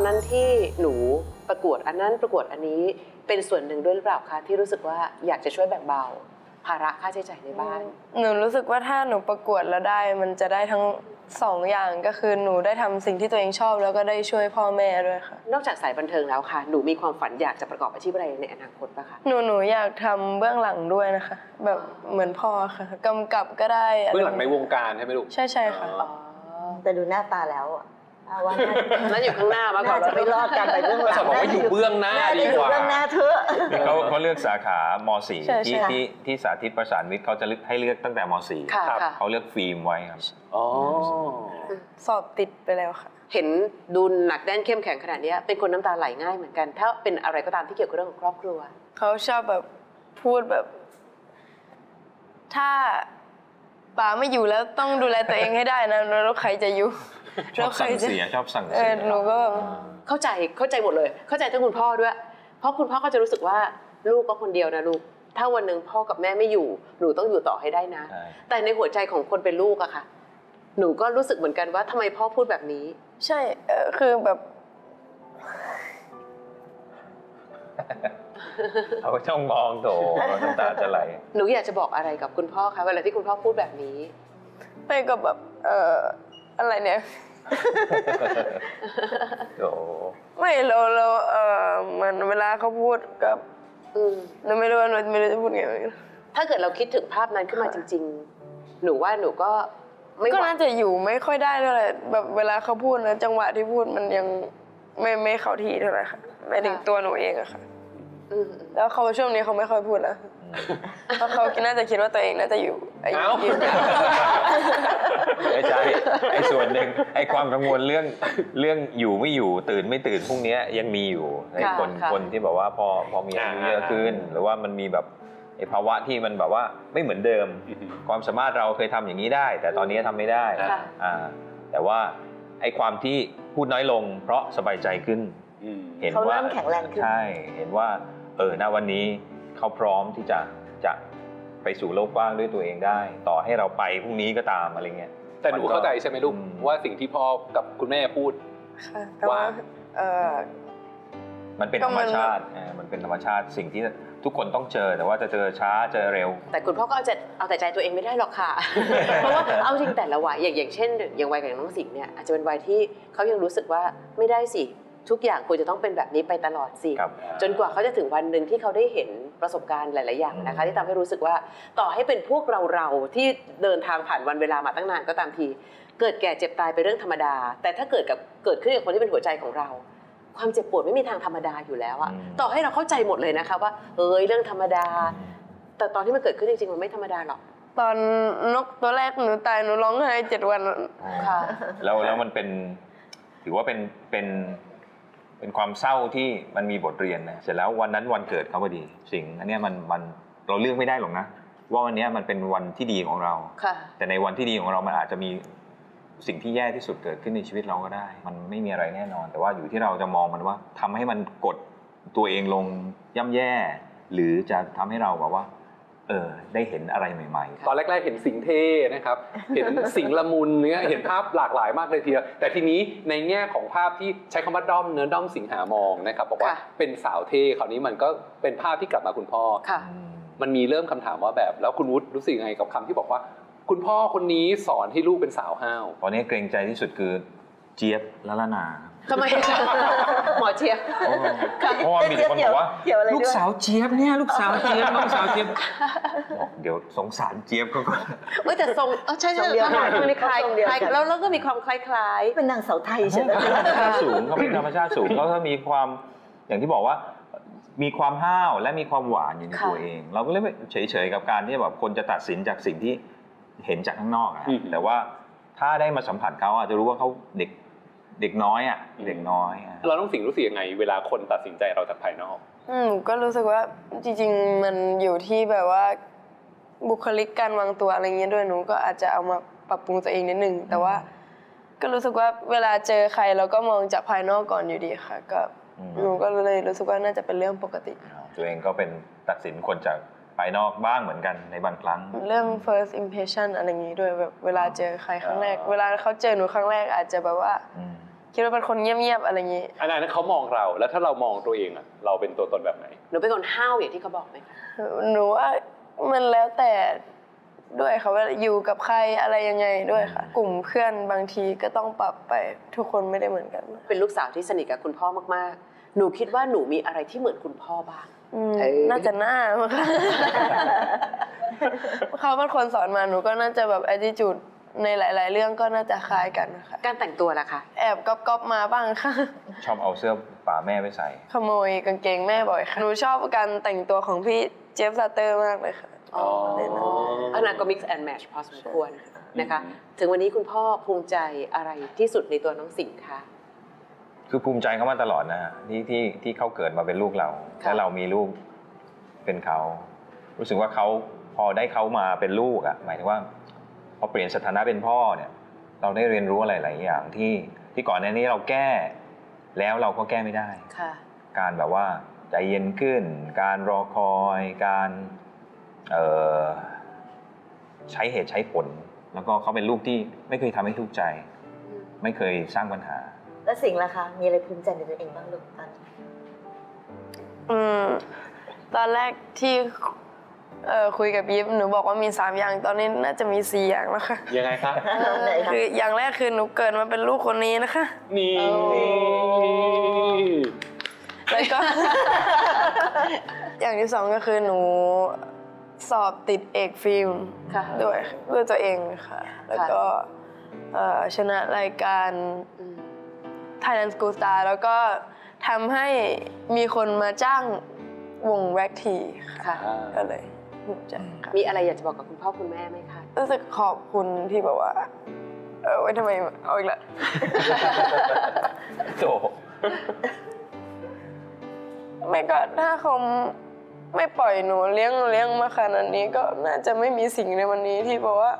นั้นที่หนูประกวดอันนั้นประกวดอันนี้เป็นส่วนหนึ่งด้วยหรือเปล่าคะที่รู้สึกว่าอยากจะช่วยแบ่งเบาภาระค่าใช้จ่ายในบ้านหนูรู้สึกว่าถ้าหนูประกวดแล้วได้มันจะได้ทั้งสองอย่างก็คือหนูได้ทำสิ่งที่ตัวเองชอบแล้วก็ได้ช่วยพ่อแม่ด้วยค่ะนอกจากสายบันเทิงแล้วค่ะหนูมีความฝันอยากจะประกอบอาชีพอะไรในอนาคตปะคะหนูอยากทำเบื้องหลังด้วยนะคะแบบเหมือนพ่อค่ะกำกับก็ได้เบื้องหลังในวงการใช่ไหมลูกใช่ค่ะแต่ดูหน้าตาแล้วว่านั่นอยู่ข้างหน้ามากกว่าจะไม่รอดกันไปเบื้องหลังบอกว่าอยู่เบื้องหน้าดีกว่าเบื้องหน้าเถอะเขาเลือกสาขาม.4 ที่สาธิตประสานวิทย์เขาจะให้เลือกตั้งแต่ม.4 เขาเลือกฟิล์มไว้ครับสอบติดไปแล้วค่ะเห็นดูหนักแน่นเข้มแข็งขนาดนี้เป็นคนน้ำตาไหลง่ายเหมือนกันถ้าเป็นอะไรก็ตามที่เกี่ยวกับเรื่องของครอบครัวเขาชอบแบบพูดแบบถ้าป๋าไม่อยู่แล้วต้องดูแลตัวเองให้ได้นะแล้วใครจะอยู่ชอบสั่งเสียชอบสั่งเสียหนูก็เข้าใจหมดเลยเข้าใจทั้งคุณพ่อด้วยเพราะคุณพ่อก็จะรู้สึกว่าลูกก็คนเดียวนะลูกถ้าวันหนึ่งพ่อกับแม่ไม่อยู่หนูต้องอยู่ต่อให้ได้นะแต่ในหัวใจของคนเป็นลูกอะค่ะหนูก็รู้สึกเหมือนกันว่าทำไมพ่อพูดแบบนี้ใช่คือแบบเขาช่องมองโถน้ำตาจะไหลหนูอยากจะบอกอะไรกับคุณพ่อคะเวลาที่คุณพ่อพูดแบบนี้ไปกับแบบอะไรเนี่ยไม่เราเหมือนเวลาเขาพูดกับเราไม่รู้จะพูดไงถ้าเกิดเราคิดถึงภาพนั้นขึ้นมาจริงๆหนูว่าหนูก็น่าจะอยู่ไม่ค่อยได้เท่าไหร่แบบเวลาเขาพูดนะจังหวะที่พูดมันยังไม่เข้าที่เท่าไหร่ค่ะไม่ถึงตัวหนูเองอะค่ะแล้วเขาช่วงนี้เขาไม่ค่อยพูดแล้วเพราะเขาน่าจะคิดว่าตัวเองน่าจะอยู่ไม่ใช่ไอ้ส่วนหนึ่งไอ้ความกังวลเรื่องอยู่ไม่อยู่ตื่นไม่ตื่นพรุ่งนี้ยังมีอยู่ในคนที่แบบว่าพอมีอายุเยอะขึ้นหรือว่ามันมีแบบไอ้ภาวะที่มันแบบว่าไม่เหมือนเดิมความสามารถเราเคยทำอย่างนี้ได้แต่ตอนนี้ทำไม่ได้แต่ว่าไอ้ความที่พูดน้อยลงเพราะสบายใจขึ้นเห็นว่าแข็งแรงขึ้นใช่เห็นว่าณวันนี้เขาพร้อมที่จะไปสู่โลกกว้างด้วยตัวเองได้ต่อให้เราไปพรุ่งนี้ก็ตามอะไรเงี้ยแต่หนูเข้าใจใช่ไหมลูกว่าสิ่งที่พ่อกับคุณแม่พูดว่ามันเป็นธรรมชาติมันเป็นธรรมชาติสิ่งที่ทุกคนต้องเจอแต่ว่าจะเจอช้าเจอเร็วแต่คุณพ่อก็เอาแต่ใจตัวเองไม่ได้หรอกค่ะ เพราะว่าเอาจริงแต่ละวัยอย่างเช่นอย่างวัยของน้องสิงห์เนี่ยอาจจะเป็นวัยที่เขายังรู้สึกว่าไม่ได้สิทุกอย่างควรจะต้องเป็นแบบนี้ไปตลอดสิจนกว่าเขาจะถึงวันหนึ่งที่เขาได้เห็นประสบการณ์หลายๆอย่างนะคะที่ทำให้รู้สึกว่าต่อให้เป็นพวกเราที่เดินทางผ่านวันเวลามาตั้งนานก็ตามทีเกิดแก่เจ็บตายเป็นเรื่องธรรมดาแต่ถ้าเกิดขึ้นกับคนที่เป็นหัวใจของเราความเจ็บปวดไม่มีทางธรรมดาอยู่แล้วอะต่อให้เราเข้าใจหมดเลยนะคะว่าเรื่องธรรมดาแต่ตอนที่มันเกิดขึ้นจริงๆมันไม่ธรรมดาหรอกตอนนกตัวแรกหนูตายหนูร้องไห้7 วันค่ะแล้วมันเป็นถือว่าเป็นความเศร้าที่มันมีบทเรียนนะเสร็จแล้ววันนั้นวันเกิดเขาพอดีสิ่งอันนี้มันเราเลือกไม่ได้หรอกนะว่าวันนี้มันเป็นวันที่ดีของเราแต่ในวันที่ดีของเรามันอาจจะมีสิ่งที่แย่ที่สุดเกิดขึ้นในชีวิตเราก็ได้มันไม่มีอะไรแน่นอนแต่ว่าอยู่ที่เราจะมองมันว่าทำให้มันกดตัวเองลงย่ำแย่หรือจะทำให้เราแบบว่าได้เห็นอะไรใหม่ๆตอนแรกๆเห็นสิ่งเท่นะครับเห็นสิ่งละมุนเนี่ยเห็นภาพหลากหลายมากเลยทีเดียวแต่ทีนี้ในแง่ของภาพที่ใช้คำว่าด้อมสิงหามองนะครับบอกว่าเป็นสาวเท่คราวนี้มันก็เป็นภาพที่กลับมาคุณพ่อมันมีเริ่มคำถามว่าแบบแล้วคุณวุฒิรู้สึกยังไงกับคำที่บอกว่าคุณพ่อคนนี้สอนให้ลูกเป็นสาวห้าวตอนนี้เกรงใจที่สุดคือเจี๊ยบละละนาทำไมหมอเจี๊ยบเพราะว่ามีคนบอกว่าลูกสาวเจี๊ยบเนี่ยลูกสาวเจี๊ยบน้องสาวเจี๊ยบเดี๋ยวสงสารเจี๊ยบเขาก็แต่ทรงใช่ใช่ทหารคนนี้คล้ายแล้วก็มีความคล้ายเป็นนางสาวไทยใช่ไหมสูงเขาเป็นธรรมชาติสูงเขาถ้ามีความอย่างที่บอกว่ามีความห้าวและมีความหวานอยู่ในตัวเองเราก็เลยเฉยๆกับการที่แบบคนจะตัดสินจากสิ่งที่เห็นจากข้างนอกนะแต่ว่าถ้าได้มาสัมผัสเขาอาจจะรู้ว่าเขาเด็กน้อยอ่ะเด็กน้อยเราต้องรู้สึกยังไงเวลาคนตัดสินใจเราจากภายนอกก็รู้สึกว่าจริงๆมันอยู่ที่แบบว่าบุคลิกการวางตัวอะไรเงี้ยด้วยหนูก็อาจจะเอามาปรับปรุงตัวเองนิดนึงแต่ว่าก็รู้สึกว่าเวลาเจอใครเราก็มองจากภายนอกก่อนอยู่ดีค่ะก็หนูก็เลยรู้สึกว่าน่าจะเป็นเรื่องปกติตัวเองก็เป็นตัดสินคนจากภายนอกบ้างเหมือนกันในบางครั้งเรื่อง first impression อะไรอย่างนี้ด้วยแบบเวลาเจอใครครั้งแรกเวลาเขาเจอหนูครั้งแรกอาจจะแบบว่าคิดว่าเป็นคนเงียบๆอะไรอย่างนี้อันนั้นเขามองเราแล้วถ้าเรามองตัวเองอะเราเป็นตัวตนแบบไหนหนูเป็นคนห้าวอย่างที่เขาบอกไหมคะหนูว่ามันแล้วแต่ด้วยค่ะว่าอยู่กับใครอะไรยังไงด้วยค่ะ กลุ่มเพื่อนบางทีก็ต้องปรับไปทุกคนไม่ได้เหมือนกันเป็นลูกสาวที่สนิทกับคุณพ่อมากๆ หนูคิดว่าหนูมีอะไรที่เหมือนคุณพ่อบ้างน่าจะหน้ามั้งค่ะ เขาเป็นคนสอนมาหนูก็น่าจะแบบ attitude ในหลาย ๆ เรื่องก็น่าจะคล้ายกันค่ะการแต่งตัวล่ะคะแอบก๊อปมาบ้างค่ะชอบเอาเสื้อป่าแม่ไปใส่ขโมยกางเกงแม่บ่อยค่ะ หนูชอบการแต่งตัวของพี่เจฟซัตเตอร์มากเลยค่ะอ๋ออันนั้นก็ mix and match พอสมควรนะคะ ถึงวันนี้คุณพ่อภูมิใจอะไรที่สุดในตัวน้องสิงห์คะคือภูมิใจเขามาตลอดนะฮะที่เขาเกิดมาเป็นลูกเราค่ะและเรามีลูกเป็นเขา รู้สึกว่าเขาพอได้เขามาเป็นลูกอ่ะหมายถึงว่าพอเปลี่ยนสถานะเป็นพ่อเนี่ย เราได้เรียนรู้อะไรหลายอย่างที่ก่อนหน้านี้เราแก้แล้วเราก็แก้ไม่ได้ค่ะการแบบว่าใจเย็นขึ้น การรอคอยการใช้เหตุใช้ผล แล้วก็เขาเป็นลูกที่ไม่เคยทำให้ทุกข์ใจ ไม่เคยสร้างปัญหาแล้วสิ่งล่ะคะมีอะไรภูมิใจในตัวเองบ้างลูกตอนนี้ตอนแรกที่คุยกับยิปหนูบอกว่ามี3อย่างตอนนี้น่าจะมี4อย่างแล้วค่ะยังไงคะไหนคะคืออย่างแรกคือหนูเกิดมาเป็นลูกคนนี้นะคะนี่แล้วก็ อย่างที่2ก็คือหนูสอบติดเอกฟิล์มค่ะด้วยตัวเองค่ะ แล้วก็ชนะรายการ Thailand School Star แล้วก็ทำให้มีคนมาจ้างวงแร็กทีค่ะค่ะก็เลยภูมิใจค่ะมีอะไรอยากจะบอกกับคุณพ่อคุณแม่ไหมคะรู้สึกขอบคุณที่แบบว่าไว้ทำไมเอาอีกละโตไม่ก็ถ้าเขาไม่ปล่อยหนูเลี้ยงมาขนาดนี้ก็น่าจะไม่มีสิ่งในวันนี้ที่บอกว่า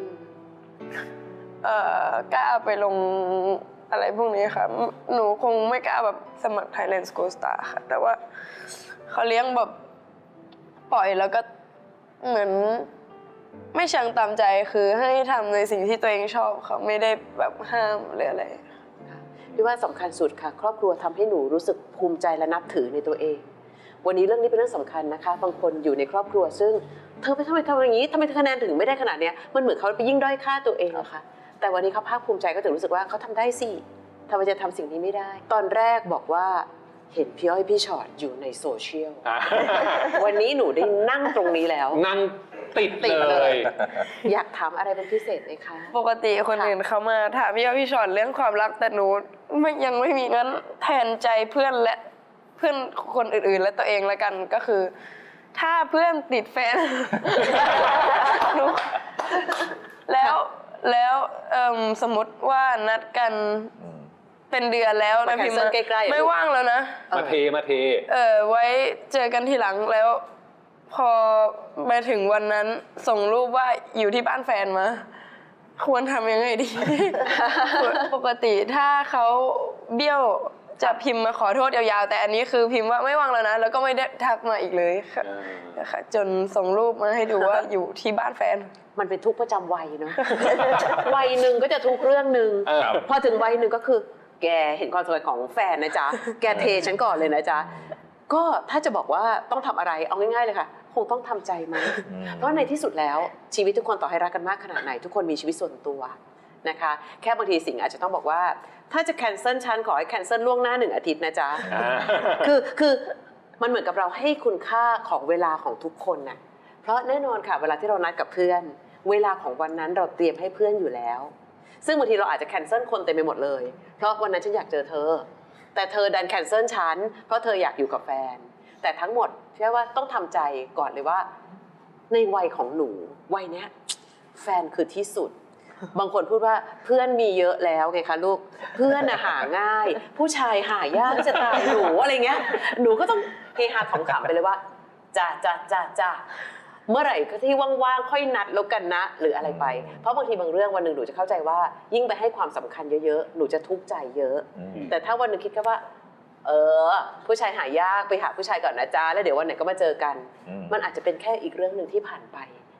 กล้าไปลงอะไรพวกนี้ค่ะ หนูคงไม่กล้าแบบสมัคร Thailand School Star ค่ะ แต่ว่าเขาเลี้ยงแบบปล่อยแล้วก็เหมือนไม่เชิงตามใจคือให้ทำในสิ่งที่ตัวเองชอบค่ะไม่ได้แบบห้ามหรืออะไรพี่ว่าสำคัญสุดค่ะ ครอบครัวทำให้หนูรู้สึกภูมิใจและนับถือในตัวเอง วันนี้เรื่องนี้เป็นเรื่องสำคัญนะคะ บางคนอยู่ในครอบครัวซึ่งเธอไปทำไมทำอย่างนี้ทำไมคะแนนถึงไม่ได้ขนาดเนี้ยมันเหมือนเขาไปยิ่งด้อยค่าตัวเองอะค่ะ แต่วันนี้เขาภาคภูมิใจก็ถึงรู้สึกว่าเขาทำได้สิทำไมจะทำสิ่งนี้ไม่ได้ ตอนแรกบอกว่าเห็นพี่อ้อยพี่ชอตอยู่ในโซเชียล วันนี้หนูได้นั่งตรงนี้แล้วนั่งติดติดเลเลย ย อยากถามอะไรเป็นพิเศษไหมคะปกติคนอื่นเขามาถามพี่ว่าพี่ชอนเรื่องความรักแต่หนูยังไม่มีงั้นแทนใจเพื่อนและเพื่อนคนอื่นๆและตัวเองละกันก็คือ ถ้าเพื่อนติดแฟน หนูแล้วสมมติว่านัดกันเป็นเดือนแล้วนะมาพิมพ์ cancel ใกล้ๆไม่ว่างแล้วนะมาเทไว้เจอกันทีหลังแล้ว พอมาถึงวันนั้นส่งรูปว่าอยู่ที่บ้านแฟนมา ควรทำยังไงดี ปกติถ้าเขาเบี้ยวจะพิมพ์มาขอโทษยาวๆแต่อันนี้คือพิมพ์ว่าไม่ว่างแล้วนะแล้วก็ไม่ได้ทักมาอีกเลยค่ะนะคะจนส่งรูปมาให้ดูว่าอยู่ที่บ้านแฟนมันเป็นทุกข์ประจำวัยเนาะ วัยหนึ่งก็จะทุกข์เรื่องหนึ่ง พอถึงวัยหนึ่งก็คือ แกเห็นความสำคัญของแฟนนะจ๊ะ แกเทฉันก่อนเลยนะจ๊ะ ก็ถ้าจะบอกว่าต้องทำอะไรเอาง่ายๆเลยค่ะ คงต้องทำใจมั้ยเพราะในที่สุดแล้วชีวิตทุกคนต่อให้รักกันมากขนาดไหน ทุกคนมีชีวิตส่วนตัวนะคะ แค่บางทีสิ่งอาจจะต้องบอกว่า ถ้าจะแคนเซิลฉันขอให้แคนเซิลล่วงหน้า1 อาทิตย์นะจ๊ะ คือมันเหมือนกับเราให้คุณค่าของเวลาของทุกคนน่ะเพราะแน่นอนค่ะเวลาที่เรานัดกับเพื่อน เวลาของวันนั้นเราเตรียมให้เพื่อนอยู่แล้ว ซึ่งบางทีเราอาจจะแคนเซิลคนเต็มไปหมดเลยเพราะวันนั้นฉันอยากเจอเธอแต่เธอดันแคนเซิลฉันเพราะเธออยากอยู่กับแฟนแต่ทั้งหมดเชื่อว่าต้องทำใจก่อนเลยว่าในวัยของหนูวัยเนี้ยแฟนคือที่สุด บางคนพูดว่าเพื่อนมีเยอะแล้วไงคะลูกเพื่อนหาง่าย ผู้ชายหายากจะตายหนูอะไรเงี้ยหนูก็ต้องเฮฮาขำๆไปเลยว่าจ้าเมื่อไหร่ก็ที่ว่างๆค่อยนัดแล้วกันนะหรืออะไรไปเพราะบางทีบางเรื่องวันหนึ่งหนูจะเข้าใจว่ายิ่งไปให้ความสำคัญเยอะๆหนูจะทุกข์ใจเยอะแต่ถ้าวันหนึ่งคิดแค่ว่าผู้ชายหายากไปหาผู้ชายก่อนนะจ๊ะแล้วเดี๋ยววันไหนก็มาเจอกันมันอาจจะเป็นแค่อีกเรื่องหนึ่งที่ผ่านไป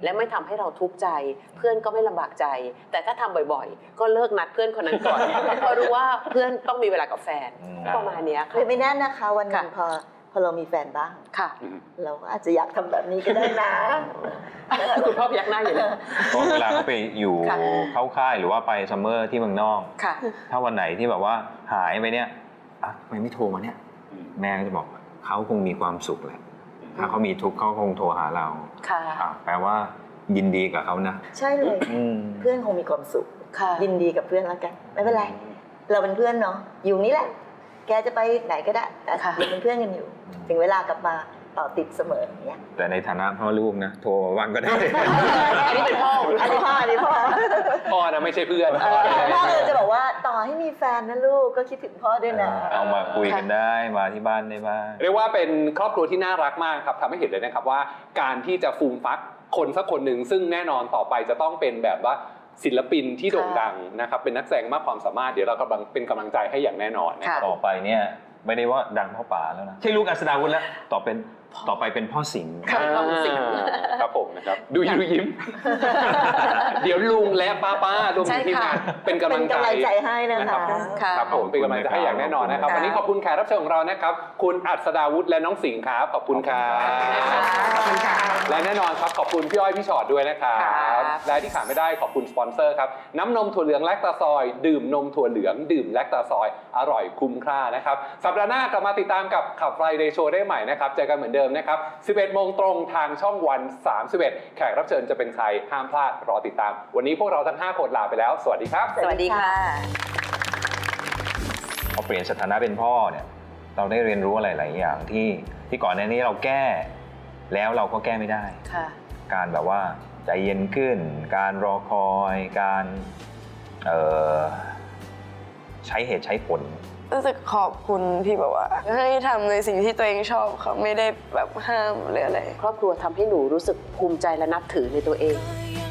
และไม่ทำให้เราทุกข์ใจ เพื่อนก็ไม่ลำบากใจ แต่ถ้าทำบ่อยๆ ก็เลิกนัดเพื่อนคนนั้นก่อน เพราะรู้ว่าเพื่อนต้องมีเวลากับแฟนประมาณเนี้ยหรือไม่แน่นะคะวันหนึ่งพอเรามีแฟนบ้างค่ะเราก็อาจจะอยากทำแบบนี้ก็ได้นะคุณพ่อพยักหน้าอยู่เลยเพราะเวลาเขาไปอยู่ค่ะเข้าค่ายหรือว่าไปซัมเมอร์ที่เมืองนอกค่ะถ้าวันไหนที่แบบว่าหายไปเนี่ยอ่ะทำไมไม่โทรมาเนี่ย แม่ก็จะบอกเขาคงมีความสุขแหละ ถ้าเขามีทุกข์เขาคงโทรหาเราค่ะแปลว่ายินดีกับเขานะใช่เลย เพื่อนคงมีความสุขค่ะยินดีกับเพื่อนแล้วกัน ไม่เป็นไร เราเป็นเพื่อนเนาะอยู่นี่แหละ แกจะไปไหนก็ได้แต่ค่ะยังเป็นเพื่อนกันอยู่ ถึงเวลากลับมาต่อติดเสมออย่างเงี้ยแต่ในฐานะพ่อลูกนะ โทรมาวันก็ได้อันนี้เป็นพ่ออันนี้พ่อพ่อนะไม่ใช่เพื่อนพ่อเลยจะบอกว่าต่อให้มีแฟนนะลูกก็คิดถึงพ่อด้วยนะเอามาคุยกันได้มาที่บ้านได้บ้างเรียกว่าเป็นครอบครัวที่น่ารักมากครับทำให้เห็นเลยนะครับว่าการที่จะฟูมฟักคนสักคนหนึ่งซึ่งแน่นอนต่อไปจะต้องเป็นแบบว่าศิลปินที่โด่งดังนะครับเป็นนักแสดงมากความสามารถเดี๋ยวเรากำลังเป็นกำลังใจให้อย่างแน่นอนนะครับต่อไปเนี่ยไม่ได้ว่าดังเท่าป๋าแล้วนะใช่ลูกอัศดาวุฒิแล้วต่อไปเป็นพ่อสิงห์ค่ะพ่อสิงห์ครับผมนะครับดูยิ้ม เดี๋ยวลุงและป้ารวมถึงทีมงานเป็นกำลังใจเป็นกำลังใจให้นะคะค่ะครับผมเป็นกำลังใจให้อย่างแน่นอนนะครับค่ะวันนี้ขอบคุณแขกรับเชิญของเรานะครับคุณอัศดาวุฒิและน้องสิงห์ครับขอบคุณครับขอบคุณค่ะและแน่นอนครับขอบคุณพี่อ้อยพี่ชอตด้วยนะครับครับและที่ขาดไม่ได้ขอบคุณสปอนเซอร์ครับน้ำนมถั่วเหลืองแลคตาซอยดื่มนมถั่วเหลืองดื่มแลคตาซอยอร่อยคุ้มค่านะครับสัปดาห์หน้ากลับมาติดตามกับขับไฟเดย์โชว์ได้ใหม่นะครับเจอกันเหมือนเดิมนะครับ 11 โมงตรงทางช่องวัน 31 แขกรับเชิญจะเป็นใครห้ามพลาดรอติดตาม วันนี้พวกเราทั้ง 5 คนลาไปแล้ว สวัสดีครับสวัสดีค่ะพอเปลี่ยนสถานะเป็นพ่อเนี่ยเราได้เรียนรู้อะไรหลายอย่างที่ก่อนหน้านี้เราแก้แล้วเราก็แก้ไม่ได้ค่ะการแบบว่าใจเย็นขึ้น การรอคอยการใช้เหตุใช้ผลรู้สึกขอบคุณที่แบบว่าให้ทำในสิ่งที่ตัวเองชอบค่ะไม่ได้แบบห้ามหรืออะไรครอบครัวทำให้หนูรู้สึกภูมิใจและนับถือในตัวเองก็